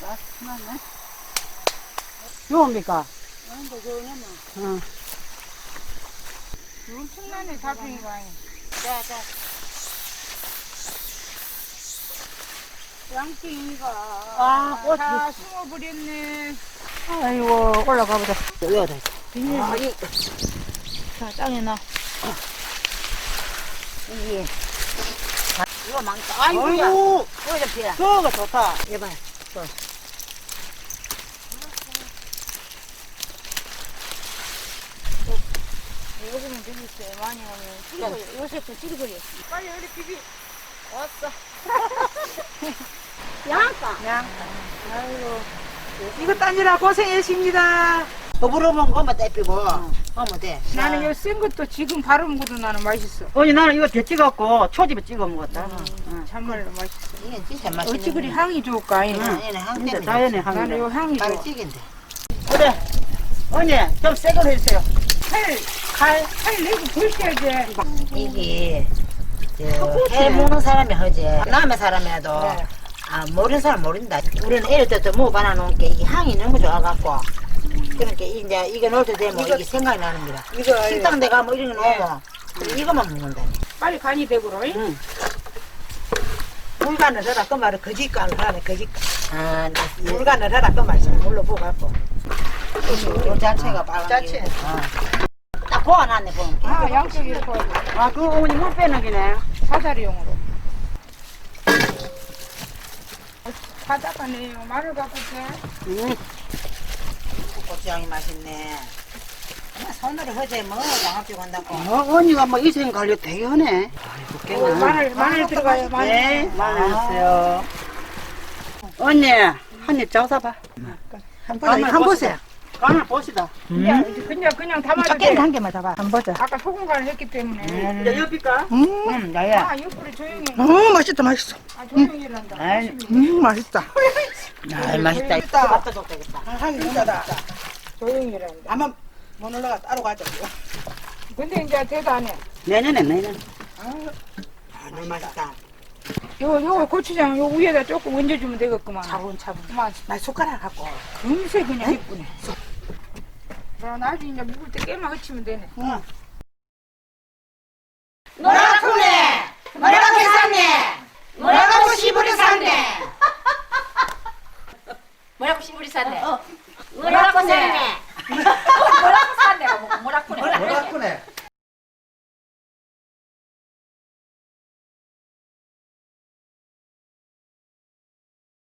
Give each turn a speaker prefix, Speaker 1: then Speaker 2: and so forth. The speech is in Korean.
Speaker 1: 맛있네. 좋습니까?
Speaker 2: 아닌데 저거는
Speaker 1: 응.
Speaker 2: 엄청나네 달팽이가. 자자. 양띵이가
Speaker 1: 꽃이.
Speaker 2: 다 숨어버렸네.
Speaker 1: 아이고, 올라가보자. 여기다.
Speaker 2: 비닐. 자 땅에 놔.
Speaker 1: 이게.
Speaker 2: 이거 망다. 아이고야.
Speaker 1: 아이고,
Speaker 2: 이거 좀 피라.
Speaker 1: 저거 좋다.
Speaker 2: 해봐. 이거 보면 재밌어요. 많이 하면 찌르거려. 요새도 찌르거려. 빨리 우리 비비. 왔어.
Speaker 1: 양까.
Speaker 2: 아이고.
Speaker 1: 이거 따느라 고생했습니다. 더불어면 엄마 떼피고, 하면 돼.
Speaker 2: 나는 요 센 것도 지금 바로 먹어도 나는 맛있어.
Speaker 1: 언니, 나는 이거 대 찍었고, 초집에 찍어 먹었다.
Speaker 2: 참말로 맛있어.
Speaker 3: 이게 진짜 맛있는
Speaker 2: 어찌 그리 향이 좋을까?
Speaker 3: 얘는 향
Speaker 1: 진짜
Speaker 3: 때문에
Speaker 1: 자연의
Speaker 2: 나는
Speaker 1: 향이다.
Speaker 2: 요 향이 좋아.
Speaker 3: 바로 찌긴데.
Speaker 1: 그래. 언니, 좀 새 걸 해주세요.
Speaker 2: 칼 내고 불켜야지.
Speaker 3: 이게 해 먹는 사람이 하지 남의 사람이라도
Speaker 2: 네.
Speaker 3: 모르는 사람 모른다. 우리는 애를 때부터 먹어봐 놓은 게 이게 향이 너무 좋아갖고 그러니까 이제 이거 넣을 때 되면 이게 생각이 나는 거라.
Speaker 2: 이거
Speaker 3: 식당 데 가면 이런 거 넣으면 이거만 먹는다.
Speaker 2: 빨리 간이 되고로.
Speaker 1: 응.
Speaker 3: 물간을 해라 그 말은 거짓간을 하네 거짓간. 물간을 해라 그 말이야. 물로 부어갖고 요 자체가 빨간
Speaker 1: 자체.
Speaker 3: 게. 딱 보아놨네 보면.
Speaker 2: 아, 양쪽이 이렇게
Speaker 1: 아, 그거 어머니 물 빼는 기네.
Speaker 2: 사다리용으로. 바닥가네요. 마늘 갖고 돼.
Speaker 1: 응.
Speaker 3: 고추장이 맛있네. 엄마 손으로 허재 뭐 양압주고 한다고.
Speaker 1: 언니가 뭐 이 생각 관리 되게 하네. 아이고,
Speaker 2: 마늘 들어가요. 마늘.
Speaker 1: 네, 마늘 넣었어요. 언니, 한 입 잡숴봐.
Speaker 3: 한 보세요.
Speaker 1: 간을 보시다.
Speaker 2: 그냥 담아도 돼.
Speaker 3: 작게는 한 개만 잡아. 한 보자.
Speaker 2: 아까 소금 간을 했기 때문에.
Speaker 1: 이제 옆일까?
Speaker 3: 야야.
Speaker 2: 아, 옆으로 조용히.
Speaker 4: 맛있다, 맛있어.
Speaker 2: 아, 조용히 일한다.
Speaker 4: 맛있다.
Speaker 3: 아, 맛있다. 맛도 좋겠다.
Speaker 4: 향이 진짜다.
Speaker 2: 조용히 일한다.
Speaker 4: 아마 못 올라가 따로 가자.
Speaker 2: 근데 이제 대도 안 해.
Speaker 1: 내년에.
Speaker 3: 너무 맛있다.
Speaker 2: 요거 고추장 요 위에다 조금 얹어주면 되겠구만.
Speaker 3: 차분차분.
Speaker 2: 그만.
Speaker 3: 나 숟가락 갖고.
Speaker 2: 금세 그냥 예쁘네. 그럼 나중에 이제 묵을 때 깨만 h치면 되네.
Speaker 3: 뭐라쿠네! 뭐라고 샀네! 뭐라고 시부리 샀네!
Speaker 5: 뭐라고 시부리 샀네.